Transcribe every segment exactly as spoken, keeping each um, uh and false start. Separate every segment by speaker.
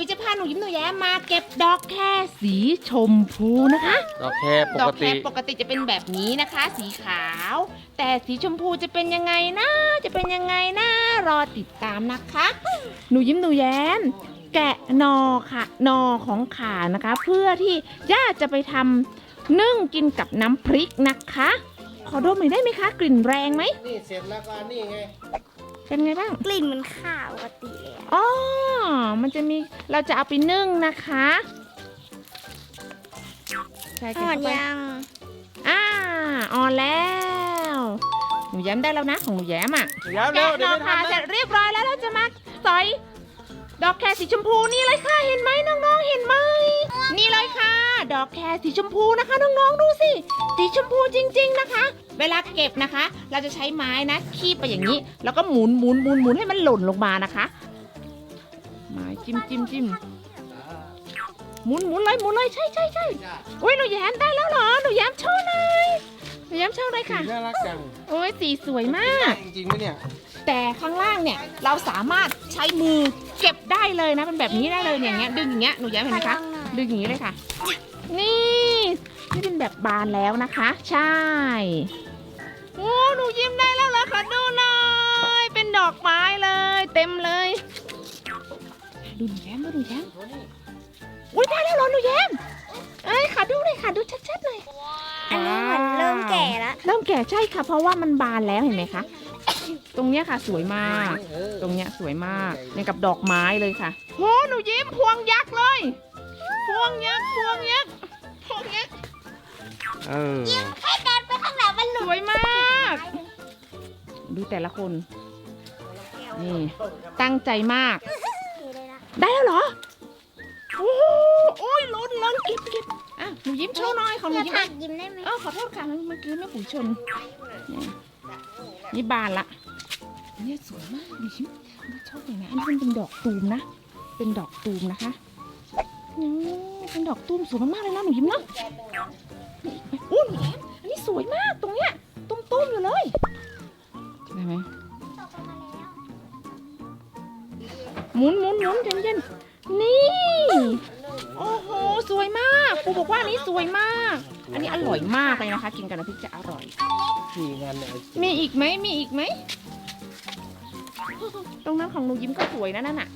Speaker 1: ยจะพาหนูยิ้มหนูแย้มมาเก็บดอกแครสีชมพูนะคะ
Speaker 2: ดอกแครป
Speaker 1: ดอก กแค
Speaker 2: ติ
Speaker 1: รปกติจะเป็นแบบนี้นะคะ สีขาว แต่สีชมพูจะเป็นยังไงนะจะเป็นยังไงนะรอติดตามนะคะ หนูยิ้มหนูแย้มแกะหนอค่ะหนอของขานะคะ เพื่อที่ย่าจะไปทำนึ่งกินกับน้ำพริกนะคะขอดมหน่อยได้ไหมคะกลิ่นแรงไหม
Speaker 3: นี่เสร็จแล้วก็นี่ไง
Speaker 1: เป็นไงบ้าง
Speaker 4: กลิ่นมันข้าวปกติเลยอะ
Speaker 1: อ๋อมันจะมีเราจะเอาไปนึ่งนะคะใช่
Speaker 4: อ่
Speaker 1: ค่ะ
Speaker 4: อนยัง
Speaker 1: อ่าอ่อนแล้ว หนูแย้มได้แล้วนะของหนูแย้มอ่ะ
Speaker 2: เดี๋ยวเร็
Speaker 1: แกะ
Speaker 2: ว
Speaker 1: ห
Speaker 2: เดี๋
Speaker 1: น
Speaker 2: ยว
Speaker 1: อ
Speaker 2: ไม่
Speaker 1: ค่ะ
Speaker 2: ทัน
Speaker 1: เสร็
Speaker 2: นะ
Speaker 1: จเรียบร้อยแล้วเราจะมาสอยดอกแครสีชมพูนี่เลยค่ะเห็นไหมน้องๆเห็นไหมนี่เลยค่ะ ดอกแครสีชมพูนะคะน้องๆดูสิสีชมพูจริงๆนะคะ เวลาเก็บนะคะ เราจะใช้ไม้นะคีบไปอย่างนี้ แล้วก็หมุนหมุนหมุนหมุนให้มันหล่นลงมานะคะไม้จิ้มจิ้มจิ้มหมุนหมุนเลยหมุนเลยใช่ใช่ใช่โอ้ยหนูแย้มได้แล้วเหรอหนูแย้มโชว์หน่อยหนูแย้มโชว์เลยค่ะ
Speaker 3: น่ารักจัง
Speaker 1: โอ้ยสีสวยมาก
Speaker 3: จริงๆไหมเนี่ย
Speaker 1: แต่ข้างล่างเนี่ยเราสามารถใช้มือเก็บได้เลยนะเป็นแบบนี้ได้เลยเนี่ยอย่างเงี้ยดึงอย่างเงี้ยหนูแย้มเห็นไหมคะดึงอย่างนี้เลยค่ะ นี่นี่เป็นแบบบานแล้วนะคะ ใช่โอ้หนูยิ้มได้แล้วเหรอขอดูหน่อยเป็นดอกไม้เลย เต็มเลยดูหนูแย้มดูหนูแย้มอุ้ยได้แล้วเหรอหนูแย้มเอ้ยขอดูเลยค่ะดูชัดๆหน่อย
Speaker 4: อันนี้เหมือนเริ่มแก่แล้ว
Speaker 1: เริ่มแก่ใช่ค่ะ เพราะว่ามันบานแล้วเห็นไหมคะ ตรงเนี้ยค่ะสวยมาก
Speaker 3: เออ
Speaker 1: ตรงเนี้ยสวยมากเนี่ยกับดอกไม้เลยค่ะโหหนูยิ้มพวงยักษ์เลย พวงยักษ์พวงยักษ์พวงยักษ์
Speaker 2: เออ
Speaker 4: ให้เดินไปข้างหลังมันห
Speaker 1: ส
Speaker 4: ลุด
Speaker 1: วยมาก ดูแต่ละคน นี่ตั้งใจมาก ได้แล้วเหรอ โอ้โหโอ้ยล้นล้นเก็บเก็บอ่ะหนูยิ้มโชว์หน่อยของหนู
Speaker 4: จะ
Speaker 1: ยิ้ม
Speaker 4: ถักยิ้มได้ไหม
Speaker 1: เออขอโทษค่ะเมื่อกี้แม่ปุ๋ยชนนี่นี่บานละเนี่ยสวยมากดิฉันไม่ชอบเลยนะอันนี้มันเป็นดอกตูมนะ เป็นดอกตูมนะคะอืมเป็นดอกตูมสวยมากๆเลยนะหนูยิ้มเนาะนี่อีกไหมอู้หนูแย้มอันนี้สวยมากตรงเนี้ยตุ้มๆอยู่เลยได้ไหมหมุนหมุนหมุนเย็นเย็นๆนี่โอ้โหสวยมากปูบอกว่าอันนี้สวยมาก อันนี้อร่อยมากเลยนะคะ กินกับน้ำพริกจะอร่อย
Speaker 3: สี่งานเนี่ย
Speaker 1: มีอีกไหมมีอีกไหม ตรงนั้นของหนูยิ้มก็สวยนะนั่นน่ะ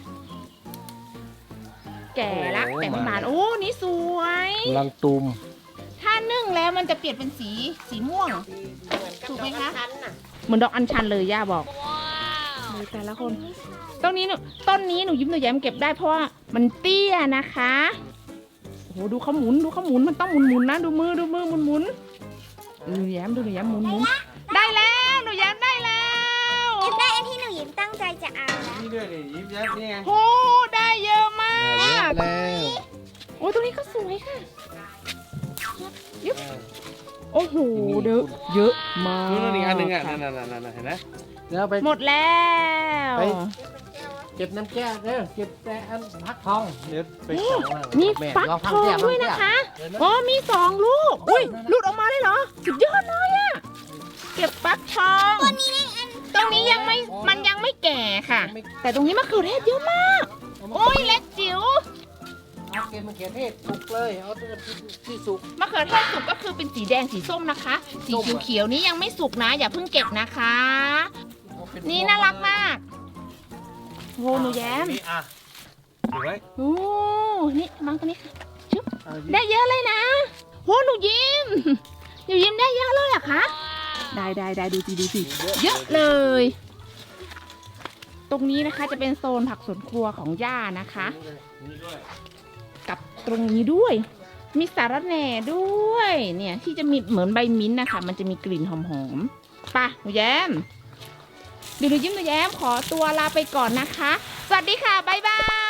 Speaker 1: แก่ละแต่ไม่บานโอ้ นี่สวย
Speaker 3: ลังตุม
Speaker 1: ถ้านึ่งแล้วมันจะเปลี่ยนเป็นสีสีม่วง ถูกไหมคะ เหมือนดอกอัญชันเลยย่าบอกดูแต่ละคนต้นนี้หนูต้นนี้หนูยิ้มหนูแย้มเก็บได้เพราะว่ามันเตี้ยนะคะ โอ้โหดูเขาหมุนดูเขาหมุนมันต้องหมุนหมุนนะดูมือดูมือหมุนหมุนดูหนูแย้มดูหนูแย้มหมุนหมุนได้แล้วหนูแย้มได้แล้ว
Speaker 4: ยิ้มได้อันที่หนูยิ้มตั้งใจจะเอาแล้ว
Speaker 3: นี่ด้วยดิยิ้มแย้มนี่ไง
Speaker 1: โอ้ได้เยอะมาก
Speaker 3: แล้ว
Speaker 1: โอ้ตรงนี้ก็สวยค่ะยุบโอ้โหเยอะเยอะมาก
Speaker 2: นู่นอีกอันหนึงอ่ะ
Speaker 1: ค่
Speaker 2: นั่นนั่นนั่นเห็นไหม
Speaker 3: เดี๋ยวไป
Speaker 1: หมดแล้ว
Speaker 3: ไป เก็บน้ำแก้วเด้อเก็บแต่อันพักทองเดี๋ยวไป
Speaker 1: โอ้
Speaker 3: จับว่า
Speaker 1: มี
Speaker 3: แม่
Speaker 1: ฟัก
Speaker 3: ล
Speaker 1: ท
Speaker 3: พั
Speaker 1: อง
Speaker 3: เสี
Speaker 1: ด้วย
Speaker 3: ฟัง
Speaker 1: นะคะ
Speaker 3: เสีย
Speaker 1: อ๋อมีสองลูกอุ้ยหลุดออกมาเลยเหรอสุดยอดเลยอะเก็บฟักทองตรงนี้ยังไม่มันยังไม่แก่ค่ะ แต่ตรงนี้มะเขือเทศเยอะมากโอ้ยเล็กจิ๋ว
Speaker 3: เอาเก็บมะเขือเทศสุกเลยเอาที่ที่สุก
Speaker 1: มะเขือเทศสุกก็คือเป็นสีแดงสีส้มนะคะ สี
Speaker 3: ส้มอะ
Speaker 1: เขียวๆนี้ยังไม่สุกนะ อย่าเพิ่งเก็บนะคะ
Speaker 3: เอาเป็
Speaker 1: นี่น่ารักมากโหหนูแย้ม
Speaker 2: นี่อ่ะสวย
Speaker 1: โอ้นี่มังตัวนี้ค่ะชุบ
Speaker 3: เอาดิ
Speaker 1: ได้เยอะเลยนะโหหนูยิ้มหนูยิ้มได้เยอะเลยเหรอะคะได้ได้ได้ดูสิดูสิเยอะเลย ตรงนี้นะคะจะเป็นโซนผักสวนครัวของย่านะคะ
Speaker 2: นี่ด้วย
Speaker 1: กับตรงนี้ด้วย มีสาระแหน่ด้วย เนี่ยที่จะมีเหมือนใบมิ้นท์นะคะ มันจะมีกลิ่นหอมๆไปหนูแย้มเดี๋ยวหนูยิ้มหนูแย้มขอตัวลาไปก่อนนะคะ สวัสดีค่ะ บ๊ายบาย